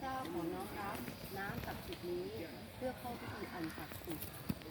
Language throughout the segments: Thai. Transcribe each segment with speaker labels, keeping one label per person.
Speaker 1: จ้าขอน้อมรับน้ำศักดิ์สิทธิ์นี้เพื่อเข้าพิธีอันศักดิ์สิทธิ์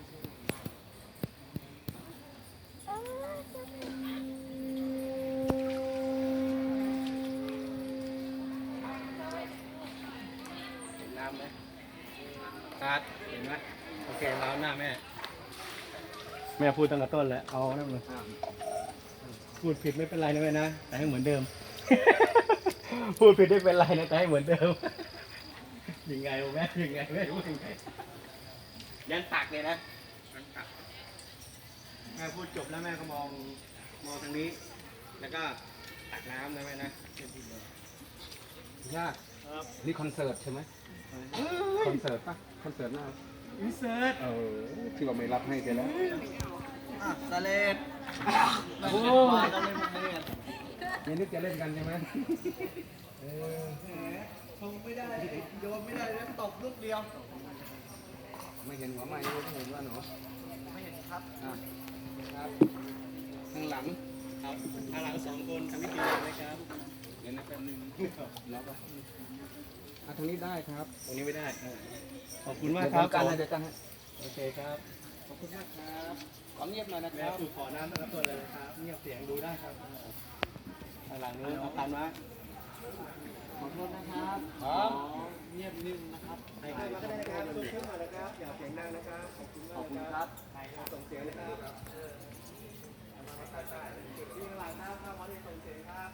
Speaker 2: เห็นน้ำไหมครับเห็นไหมโอเคเราหน้าแม่แม่พูดตั้งแต่ต้นแล้วเอานั่นเลยพูดผิดไม่เป็นไรนะแม่นะแต่ให้เหมือนเดิม พูดผิดไม่เป็นไรนะแต่ให้เหมือนเดิม ยังไงวะแม่ยังไงแม่พูดยังไงยันตักเลยนะยันตักแม่พูดจบแล้วแม่ก็มองทางนี้ แล้วก็ตักน้ำนะแม่นะยากนี่คอนเสิร์ตใช่ไหมคอนเสิร์ตปะคอนเสิร์ตหน้าอินเสิร์ตที่ว่าไม่รับให้ไปแล้วตะเลดโอ้ตะเลดยังนึกจะเล่นกันใช่ไหมคงไม่ได้โยนไม่ได้แล้วตบลูกเดียวไม่เห็นหัวไม้ไม่เห็นว่าหนูไม่เห็นครับครับข้างหลังครับข้างหลังสองคนทำพิธีเลยครับเดี๋ยวนะแป๊บนึงแล้วก็ทางนี้ได้ครับตรงนี้ไม่ได้ขอบคุณมากครับการเดี๋ยวกันโอเคครับขอบคุณมากครับขอเงียบหน่อยนะครับขอน้ำนะครับตัวเลยครับเงียบเสียงดูได้ครับข้างหลังนู้นเอาตันมาขอโทษนะครับเงียบนิ่งนะครับให้มาก็ได้นะครับตัวขึ้นมาเลยครับอย่าเสียงดังนะครับขอบคุณมากครับส่งเสียงนะครับที่ข้างหลังครับข้างวัดที่ส่งเสียงครับ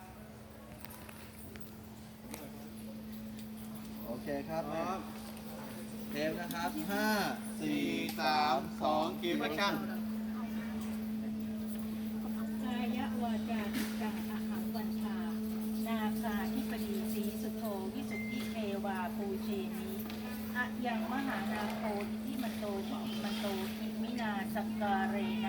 Speaker 2: โอเคครับเทปนะครับ5 4 3 2กิฟต์แอคชั่น
Speaker 3: กายวาจาจิตตังอหังวันชานาคาธิปดีสีสุโธวิสุทธิเทวาปูเชนีอะยังมหานาโคอิทิมันโตอิทิมันโตอิมินาสักการเร